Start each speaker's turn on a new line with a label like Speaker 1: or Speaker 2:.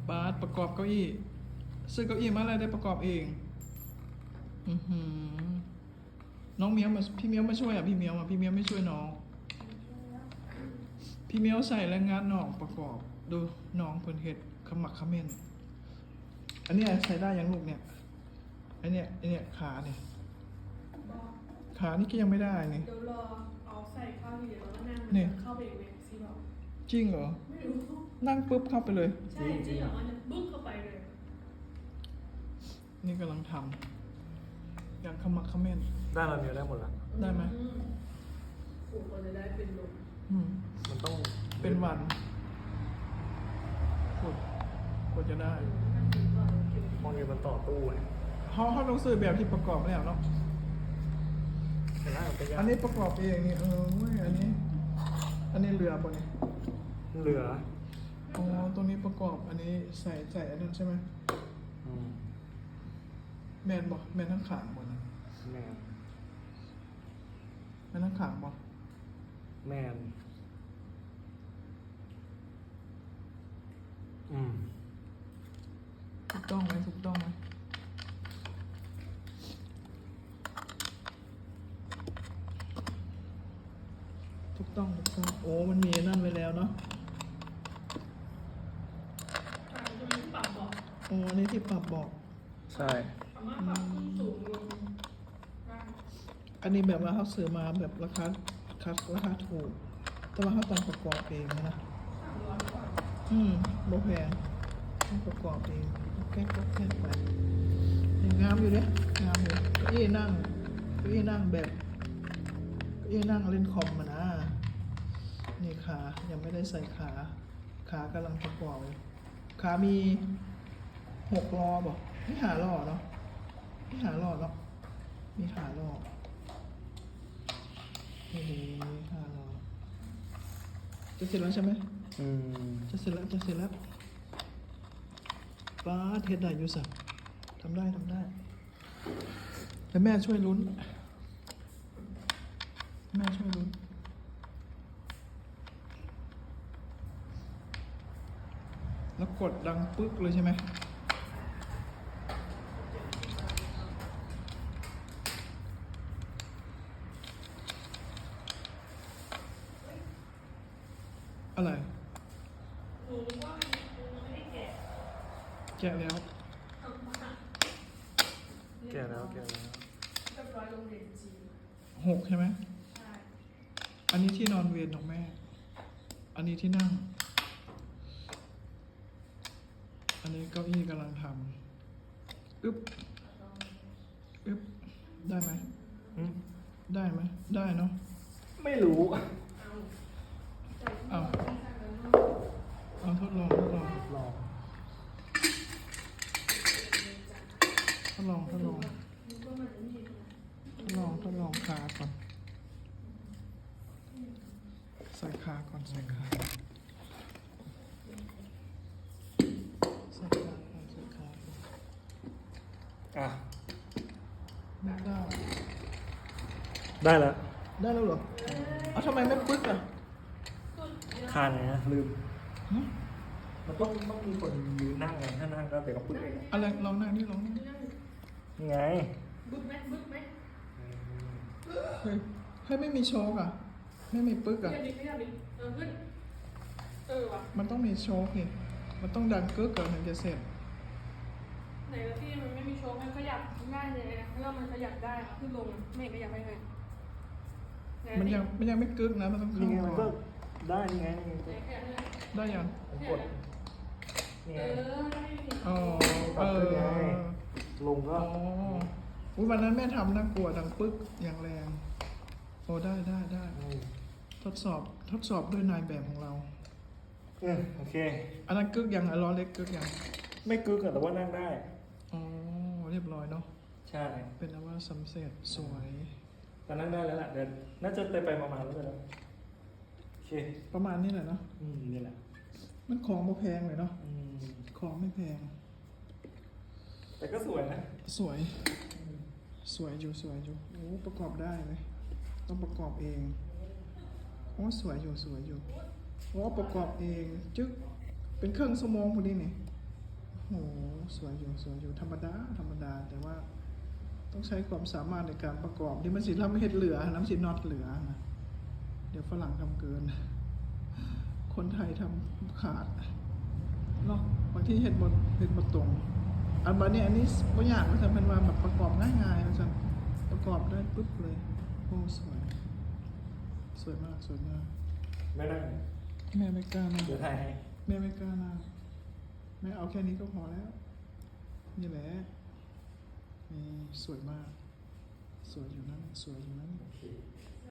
Speaker 1: บาสประกอบเก้าอี้ซื้อเก้าอี้มาอะไรได้ประกอบเองน้องเมียวมาพี่เมียวมาช่วยอ่ะพี่เมียวไม่ช่วยน้องพี่เมียวใส่แรงงานน้องประกอบดูน้องเพิ่นเฮ็ดขมักเขม้นอันนี้ใส่ได้ยังลูกเนี่ยไอเนี่ยขาเนี่ยขานี่ก็ยังไม่ได้นี่
Speaker 2: เดี๋ยวรอเอาใส่ข้าวเหนียวแล้วก็นั่ง
Speaker 1: เนี่ย
Speaker 2: เข้าไปเองสิบอก
Speaker 1: จริงเหรอ
Speaker 2: ไม่รู้
Speaker 1: นั่งปุ๊บเข้าไปเลย
Speaker 2: ใช่จริงเหรอมันจะบึ้งเข้าไปเลย
Speaker 1: นี่กำลังทำอย่างขมักเขม้น
Speaker 3: ได้เราเนียได้หมดละ
Speaker 1: ได้ไหม
Speaker 2: ผมก็จะได้เป็นลม
Speaker 3: มันต้อง
Speaker 1: เป็นวันกดจะได้
Speaker 3: มองเงินมันต่อตู้ไง
Speaker 1: เขาต้องซื้อแบบที่ประกอบแล้วเนาะ
Speaker 3: แต่ถ้ามันเป็นยา
Speaker 1: อันนี้ประกอบเองนี่เว้ยอันนี้เรือป่ะเนี่ย
Speaker 3: เหลือ
Speaker 1: อ๋อตรงนี้ประกอบอันนี้ใส่อันนั้นใช่ไหม
Speaker 3: อืม
Speaker 1: แมนบอกแมนทั้งขางบ่นะ
Speaker 3: แมน
Speaker 1: แมนทั้งขางบ่
Speaker 3: แมนอืม
Speaker 1: ถูกต้องไหมถูกต้องไหมถูกต้องโอ้มันมีนั่นไว้แล้วเนาะ
Speaker 2: ตรงนี้ปรับบอก
Speaker 1: อ๋ออันนี้ที่ปรับบอก
Speaker 3: ใช่
Speaker 2: สามารถปรับขึ้นสูงลงได้
Speaker 1: อันนี้แบบว่าเขาซื้อมาแบบราคาถูก แต่ว่าเขาต้องประกอบเองนะ
Speaker 2: 300 กว่า
Speaker 1: บ่แพงต้องประกอบเองแก้ไปยังงามอยู่เนี่ยงามอยู่เก้าอี้นั่งแบบเก้าอี้นั่งเล่นคอมมานะนี่ขายังไม่ได้ใส่ขากำลังประกอบเลยขามี6 ล้อบอกไม่หาล้อเนาะไม่หาล้อเนาะมีหาล้อนี่หาล้อจะเสร็จแล้วใช่ไหม
Speaker 3: อืม
Speaker 1: จะเสร็จแล้วป้าเทสได้อยู่สักทำได้แต่แม่ช่วยลุ้น แล้วกดดังปึ๊กเลยใช่ไหมอะไร
Speaker 2: หนูรู้ว่ามันไม่ได้แกะ
Speaker 1: แกะแล้ว
Speaker 2: เอามา
Speaker 3: แก่แล้ว
Speaker 2: เรียบร้อยโรงเรียนจีน
Speaker 1: 6 ใช่ไหม
Speaker 2: ใช่
Speaker 1: อันนี้ที่นอนเวรของแม่ อันนี้ที่นั่ง อันนี้เก้าอี้กำลังทำอึ๊บได้ไหม
Speaker 3: อืม
Speaker 1: ได้ไหม ได้เนาะ
Speaker 3: ไม่รู้
Speaker 1: เอาทดลอง
Speaker 3: ลอง
Speaker 1: ทดลองขาก่อนใส่ขาก่อน
Speaker 3: อ่ะ
Speaker 1: ไม่ได้
Speaker 3: ได้แล้ว
Speaker 1: ได้แล้วเหรอเอาทำไมไม่ปึ๊กอ่ะ
Speaker 3: คานไงนะลืม
Speaker 1: ฮะ
Speaker 3: มันต้องมีคนยืนนั่งไงถ้านั่งก็เดี๋ยวก็ปึ๊กเอง
Speaker 1: อะไรลองนั่งนี่
Speaker 3: นี่ไง
Speaker 2: บึ้กไหม
Speaker 1: เฮ้ยไม่มีโชกอ่ะ ไม่มีปึ๊กอ่ะ
Speaker 2: ขยับดิขึ้นว่ะ
Speaker 1: มันต้องมีโชกนี่มันต้องดังกึกก่อนถึงจะเสร็จ
Speaker 2: ไหนละที่มันไม่มีโชว์มันขยับง่ายเลยนะแล้วมันขยับได้ขึ้นลงไม่ขยับไปเลย
Speaker 1: มันยังไม่กึกนะ มันต้อง
Speaker 3: นี่
Speaker 1: เข้า
Speaker 3: ไงมัน
Speaker 1: ก่
Speaker 3: ก็
Speaker 1: อน
Speaker 3: ได้นี่ไงนี่
Speaker 2: ไหนขยับเลย
Speaker 1: ได้ยัง
Speaker 3: ผมกดนี่ไง
Speaker 2: ได้
Speaker 1: อ๋อ
Speaker 3: ปรับขึ้นไงลงก็
Speaker 1: อ๋ออุ๊ยวันนั้นแม่ทำน่ากลัวดังปึ๊กอย่างแรง โอ้ได้
Speaker 3: อืม
Speaker 1: ทดสอบด้วยนายแบบของเรา
Speaker 3: โอเค
Speaker 1: อันนั้นกึกยังล้อเล็กกึกยัง
Speaker 3: ไม่กึกอะแต่ว่านั่งได้
Speaker 1: อ๋อเรียบร้อยเนาะ
Speaker 3: ใช่
Speaker 1: เป็นนะว่าสำเร็จสวย
Speaker 3: แต่นั่งได้แล้วแหละเดินน่าจะไปมาแล้วแล้วโอเค
Speaker 1: ประมาณนี้แหละเนาะ
Speaker 3: นี่แหละ
Speaker 1: มันของไม่แพงเลยเนาะ
Speaker 3: อืม
Speaker 1: ของไม่แพง
Speaker 3: แต่ก็สวยนะ
Speaker 1: สวยอยู่โอ้ประกอบได้ไหมต้องประกอบเองโอ้สวยอยู่โอ้ประกอบเองจึ๊กเป็นเครื่องสมองพอดีนี่โหสวยอยู่สวยอยู่ธรรมดาธรรมดา แต่ว่าต้องใช้ความสามารถในการประกอบที่มันสิทำให้เห็ดเหลือน้ำสิน็อตเหลือนะเดี๋ยวฝรั่งทำเกิน คนไทยทำขาดเนาะบางที่เห็ดบดตรงอันบานี้อันนี้บางอย่างมันจะเป็นว่าแบบประกอบง่ายๆมันจะประกอบได้ปุ๊บเลยโอ้สวยสวยมากสวยมาก
Speaker 3: ไม่นั่ง
Speaker 1: แม่ไม่กล้านะ
Speaker 3: เดี๋ยวถ่ายให้
Speaker 1: แม่ไม่กล้านะแม่เอาแค่นี้ก็พอแล้ว นี่แหละนี่สวยมาก สวยอยู่นั้นสวยอยู่นั้น
Speaker 3: โอเค